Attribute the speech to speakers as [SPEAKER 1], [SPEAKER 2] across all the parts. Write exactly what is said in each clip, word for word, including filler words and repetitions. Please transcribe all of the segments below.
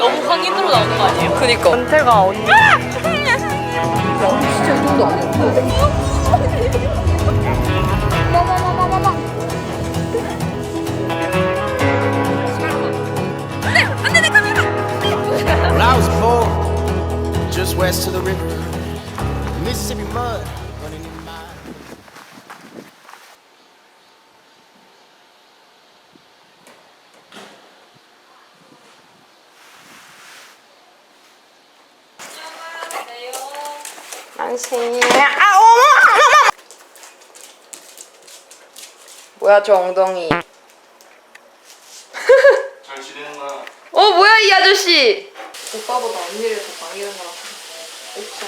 [SPEAKER 1] 너무 강인으로 나오는 거 아니에요?
[SPEAKER 2] 그니까 전태가 언니 야 진짜 이 정도 아니야.
[SPEAKER 3] Well, I was born just west of the river, Mississippi mud running in my.
[SPEAKER 2] 안녕하세요. 아 어머! 뭐야 저 엉덩이.
[SPEAKER 4] 잘 지내는구나.
[SPEAKER 2] 어 뭐야 이 아저씨. 오빠보다 언니를 더 많이 이런 거 같아. 오빠.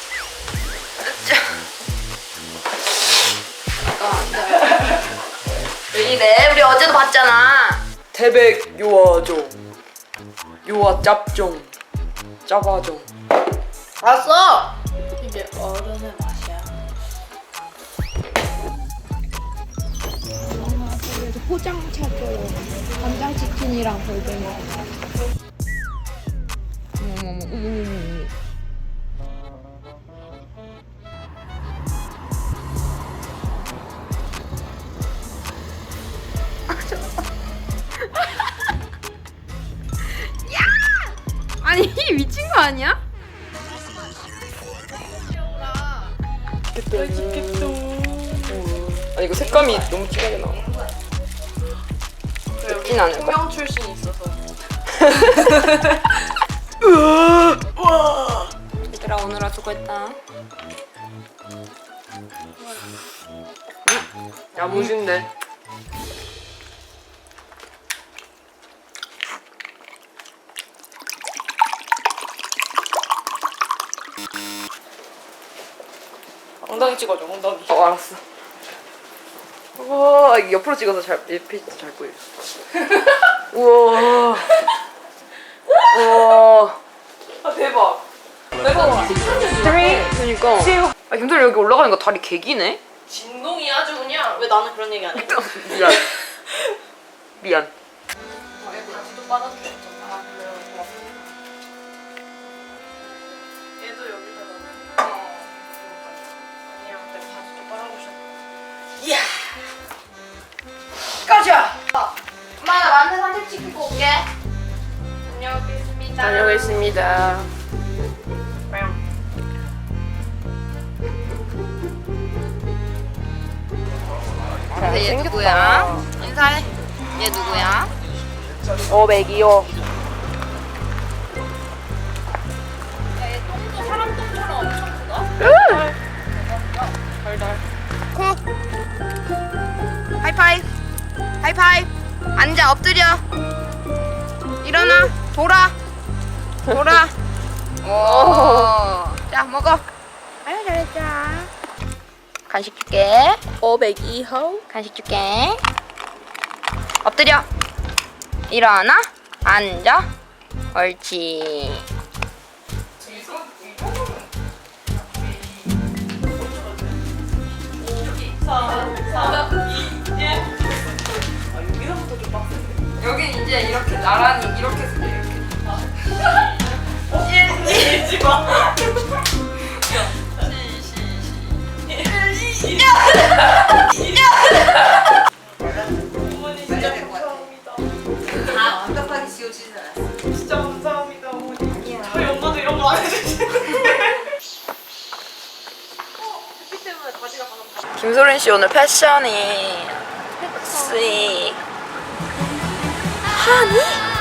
[SPEAKER 2] 잠깐 앉아요. 왜 이래? 우리 어제도 봤잖아. 태백 요아종. 요아 짭종. 짜바종. 알았어.
[SPEAKER 1] 이게 어른의 맛이야.
[SPEAKER 5] 그래서 포장차 줘요. 간장치킨이랑 골뱅이.
[SPEAKER 2] 어머머머 어머머머. 아니 미친 거 아니야? 맛있겠다. 아니 이거 색감이 너무 진하게 나와. 맵진 않을까?
[SPEAKER 1] 통영 출신 있어서.
[SPEAKER 2] 얘들아 오늘아 수고했다. 야 무신데.
[SPEAKER 1] 엉덩이 찍어줘, 엉덩이.
[SPEAKER 2] 어 알았어. 우와 이게 옆으로 찍어서 잘 옆이 잘 보여. 우와. 우와.
[SPEAKER 1] 아, 대박.
[SPEAKER 2] 그러니까. 아 김도리 여기 올라가니까 다리 개기네.
[SPEAKER 1] 진동이 아주 그냥. 왜 나는 그런 얘기 안 해?
[SPEAKER 2] 미안. 미안.
[SPEAKER 1] 어, 얘 다시도 빠졌대. 아, 그래요? 고맙다. 얘도 여기다가. 어. 아니야, 내가 다시 좀 빨아보셨. 이야!
[SPEAKER 2] 가자.
[SPEAKER 5] 엄마 나 만세 산책 시키고 올게.
[SPEAKER 1] 다녀오겠습니다.
[SPEAKER 2] 다녀오겠습니다.
[SPEAKER 5] 자, 얘 누구야? 인사해. 얘 누구야?
[SPEAKER 2] 어 맥이요.
[SPEAKER 1] 사람 똥처럼 엄청 크다?
[SPEAKER 5] 하이파이브. 하이파이브. 앉아 엎드려. 일어나. 돌아. 돌아. 오. 자 먹어. 아유 잘했다. 간식 줄게.
[SPEAKER 1] 오백이호.
[SPEAKER 5] 간식 줄게. 엎드려. 일어나. 앉아. 옳지.
[SPEAKER 2] 여긴 이제 이렇게 나란히 이렇게 이렇게.
[SPEAKER 1] 일지 마. 어머니 진짜 감사합니다.
[SPEAKER 2] 아 완벽하게 지워지진 않았어.
[SPEAKER 1] 진짜 감사합니다, 어머니. 저희 엄마도 이런 거 안 해주시는데. 어, 햇빛 때문에 바지가 방금 다.
[SPEAKER 2] 김소린 씨 오늘 패션이 씩 하니?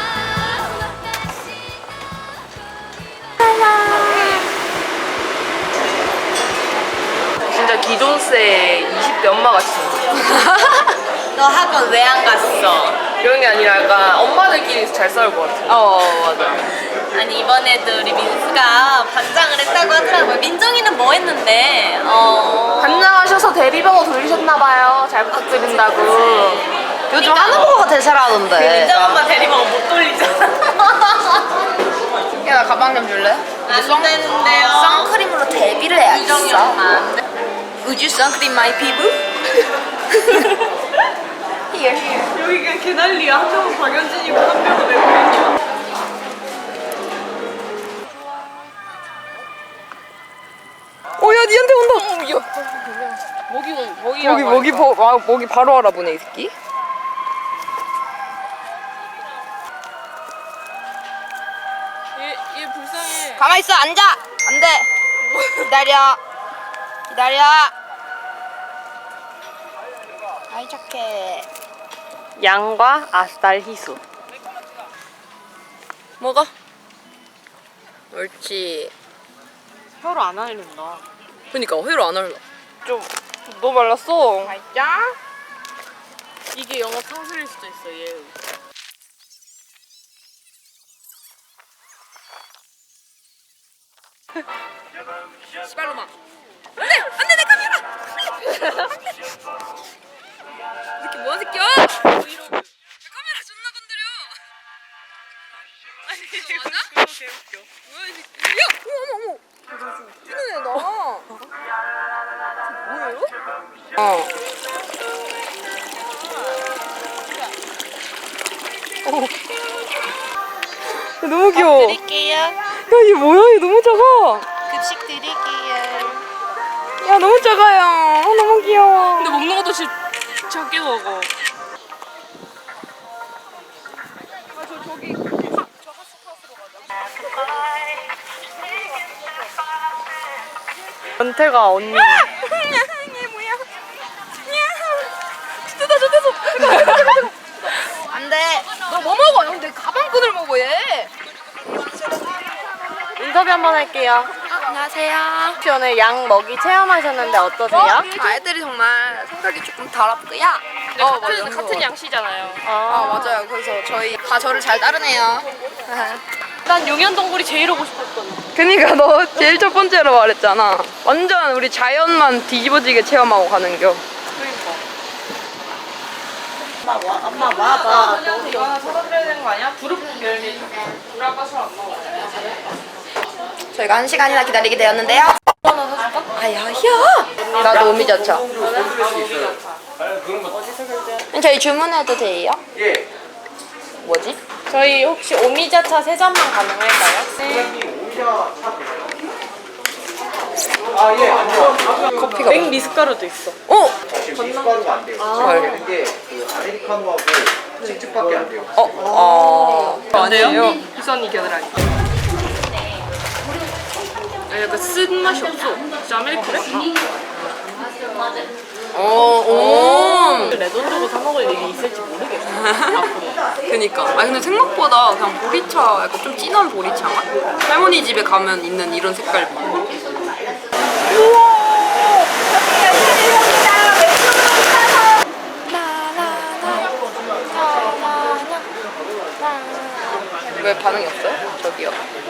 [SPEAKER 2] 진짜 기존세 이십 대 엄마 같이 생겼어.
[SPEAKER 1] 너 학원 왜 안 갔어?
[SPEAKER 2] 이런 게 아니라 약간 엄마들끼리 잘 싸울 것 같아. 어 맞아.
[SPEAKER 1] 아니 이번에도 우리 민수가 반장을 했다고 하더라고요. 민정이는 뭐 했는데? 어...
[SPEAKER 2] 반장하셔서 대리번호 돌리셨나봐요. 잘 부탁드린다고. 요즘 하는 거가 되게 잘하던데.
[SPEAKER 1] 민정 엄마 대리번호 못 돌리잖아.
[SPEAKER 2] 야 나 가방 좀 줄래?
[SPEAKER 1] 안 되는데요.
[SPEAKER 2] 선크림으로 데뷔를 해야겠어.
[SPEAKER 1] 유정이 엄마 안 돼.
[SPEAKER 2] 우주 선크림 마이 피부? Here.
[SPEAKER 1] 여기 그냥 개난리야. 한 명은 박연진이고 한 명은 외국인이야.
[SPEAKER 5] 온다. 먹이 먹이 먹이 먹이 버, 아, 먹이 바로 알아보네 이 새끼.
[SPEAKER 1] 얘, 얘 불쌍해.
[SPEAKER 5] 가만 있어 앉아. 안 돼. 기다려. 기다려. 아이 착해.
[SPEAKER 2] 양과 아스달 희수.
[SPEAKER 5] 먹어. 옳지.
[SPEAKER 2] 혀로 안 흘린다.
[SPEAKER 5] 그니까 회로 안 할라.
[SPEAKER 2] 좀 너무 말랐어.
[SPEAKER 5] 맛있자.
[SPEAKER 1] 이게 영어 탕수일 수도 있어, 얘.
[SPEAKER 5] 시발로마. 안돼 안돼 내 카메라. 이렇게 뭐야 새끼야? 내 카메라 존나 건드려. 아니 이거 맞아?
[SPEAKER 1] 개웃겨.
[SPEAKER 5] 뭐야 이 새끼? 야 어머 어머 어머. 뛰는 애다. 뭐예요? 어. 어. 너무 귀여워.
[SPEAKER 1] 드릴게요.
[SPEAKER 5] 야, 얘 뭐야? 얘 너무 작아.
[SPEAKER 1] 급식 드릴게요.
[SPEAKER 5] 야, 너무 작아요. 어, 너무 귀여워.
[SPEAKER 1] 근데 먹는 것도 진짜 작게 먹어.
[SPEAKER 2] 연태가 언니.
[SPEAKER 5] 얘 뭐야? 진짜 나 저대서. 안 돼. 너 뭐 먹어? 형, 내 가방끈을 먹어, 얘.
[SPEAKER 2] 인터뷰 한번 할게요.
[SPEAKER 5] 안녕하세요.
[SPEAKER 2] 혹시 오늘 양 먹이 체험하셨는데 어떠세요?
[SPEAKER 5] 아이들이 정말 생각이 조금 더럽고요. 어, 맞아.
[SPEAKER 1] 같은 양씨잖아요.
[SPEAKER 5] 아, 맞아요. 그래서 저희 다 저를 잘 따르네요.
[SPEAKER 1] 난 용현동굴이 제일 오고 싶었던.
[SPEAKER 5] 그니까 너 제일 첫 번째로 말했잖아. 완전 우리 자연만 뒤집어지게 체험하고 가는겨.
[SPEAKER 2] 엄마 와, 엄마 와봐.
[SPEAKER 5] 이거 하나 사드려야 되는 거 아니야? 두릅 열매. 우리 아빠 술 안 먹어. 저희가 한 시간이나 기다리게 되었는데요. 하나 사줄까? 아야야. 나도 오미자차. 저희 주문해도 돼요?
[SPEAKER 3] 예.
[SPEAKER 5] 뭐지?
[SPEAKER 2] 저희 혹시 오미자차 세 잔만 가능할까요?
[SPEAKER 3] 아, 예, 아니요.
[SPEAKER 5] 커피가
[SPEAKER 2] 맥 미숫가루도 있어.
[SPEAKER 5] 어?
[SPEAKER 3] 지금 미숫가루가 안 돼요.
[SPEAKER 5] 헐.
[SPEAKER 3] 되는 게 그 아메리카노하고 칙칙밖에 안 돼요.
[SPEAKER 5] 어? 아. 아니에요?
[SPEAKER 1] 희선이 겨드랑이. 약간 쓴 맛이 없어. 진짜 아메리카노?
[SPEAKER 5] 어, 오.
[SPEAKER 2] 내돈 주고 사 먹을 일이 있을지 모르겠어.
[SPEAKER 5] 그니까. 아니 근데 생각보다 그냥 보리차, 약간 좀 진한 보리차 맛? 할머니 집에 가면 있는 이런 색깔. 왜 반응이 없어요? 저기요.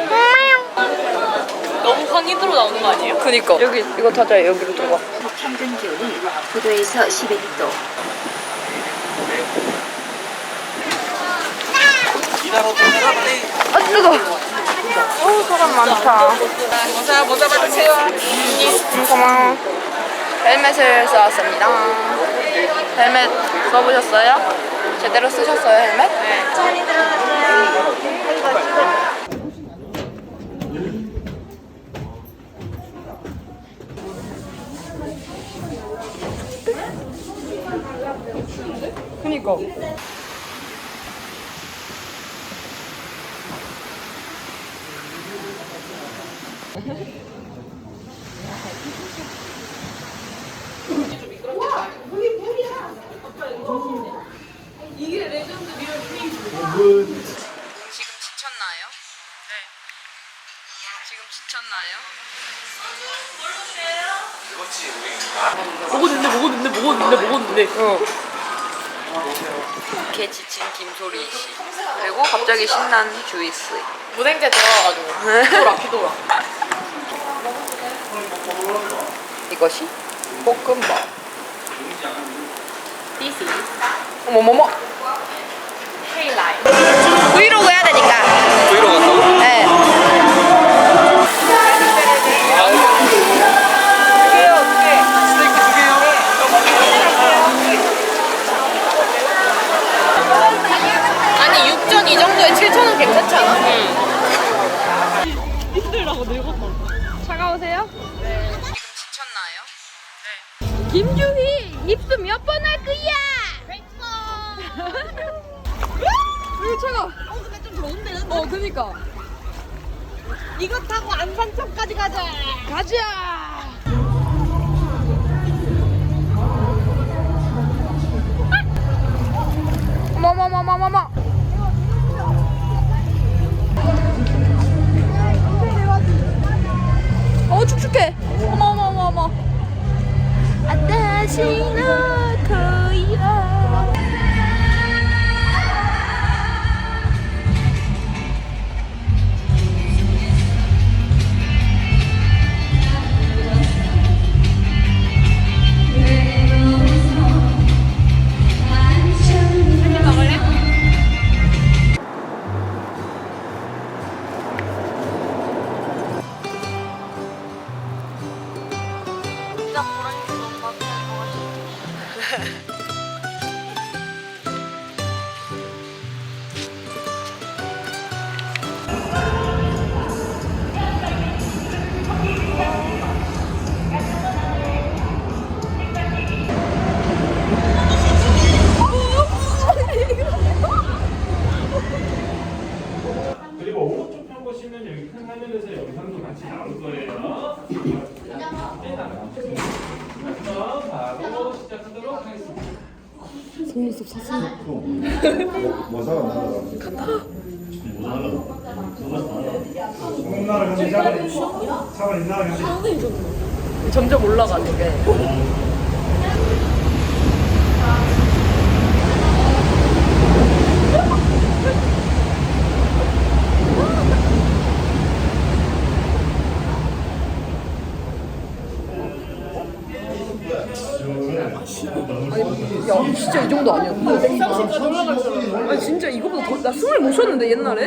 [SPEAKER 1] 너무 황인으로 나오는 거 아니에요?
[SPEAKER 5] 그니까. 여기 이거 타자. 여기로 들어가.
[SPEAKER 4] 평균 기온이 구 도에서 십일 도.
[SPEAKER 5] 아 뜨거. 어 사람 많다. 모자 모자 받으세요. 음, 고마워. 헬멧을 써왔습니다. 헬멧 써보셨어요? 제대로 쓰셨어요 헬멧? 네. 그니까. 지금 지쳤나요? 네. 지금 지쳤나요?
[SPEAKER 1] 먹었는데 먹었는데 먹었는데 먹었는데.
[SPEAKER 5] 어. 개 지친 김소리 씨. 그리고 갑자기 신난 주이스.
[SPEAKER 2] 무생제 들어가가지고. 피도라, 피도라.
[SPEAKER 5] 이것이 볶음밥.
[SPEAKER 2] 디시.
[SPEAKER 5] 어머머머.
[SPEAKER 2] 헤이라이트.
[SPEAKER 5] 브이로그 해야 되니까.
[SPEAKER 3] 브이로그 한다고?
[SPEAKER 5] 네.
[SPEAKER 3] 스테이크 두 개요?
[SPEAKER 2] 아니 육전 이 정도에 칠천 원 괜찮지 않아?
[SPEAKER 5] 차가우세요? 네. 지금 지쳤나요? 김주희 입수 몇 번 할 거야? 이거 차가. 어 근데 좀 좋은데. 어 그니까.
[SPEAKER 1] 이거 타고 안산천까지 가자.
[SPEAKER 5] 가자. 어머머머머머머. 어 축축해. 어머머머머. 아따시나 거야.
[SPEAKER 1] 진짜 고랑이도 엄마한테 먹어줘.
[SPEAKER 6] 그리고 오른쪽 편 보시면 여기 큰 화면에서 영상도 같이 나올 거예요. 그럼 바로 시작하도록 하겠습니다.
[SPEAKER 7] 뭐 사람 나가라. 간다. 뭐 사람? 공나라 현지 사람 사람 있나 현지.
[SPEAKER 5] 점점 올라가 저게. 야 진짜 이 정도 아니었어. 백삼십까지 올라갈 줄 알았어. 아니 진짜 이거보다 더, 나 숨을 못 쉬었는데 옛날에.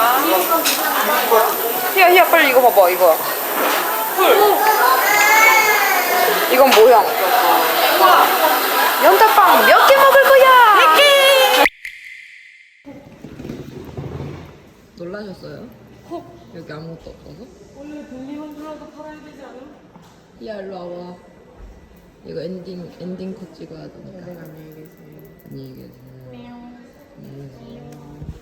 [SPEAKER 5] 희야 희야 빨리 이거 봐봐 이거. 이건 모형. 연탄빵 몇 개 먹을 거야? 몇 개. 놀라셨어요? 여기 아무것도 없어서? 원래 벨리만 들어도 팔아야 되지 않음? 희야 일로 와봐. 이거 엔딩 엔딩 컷 찍어야 되니까. 네, 안녕히 계세요. 안녕히 계세요. 안녕히 계세요.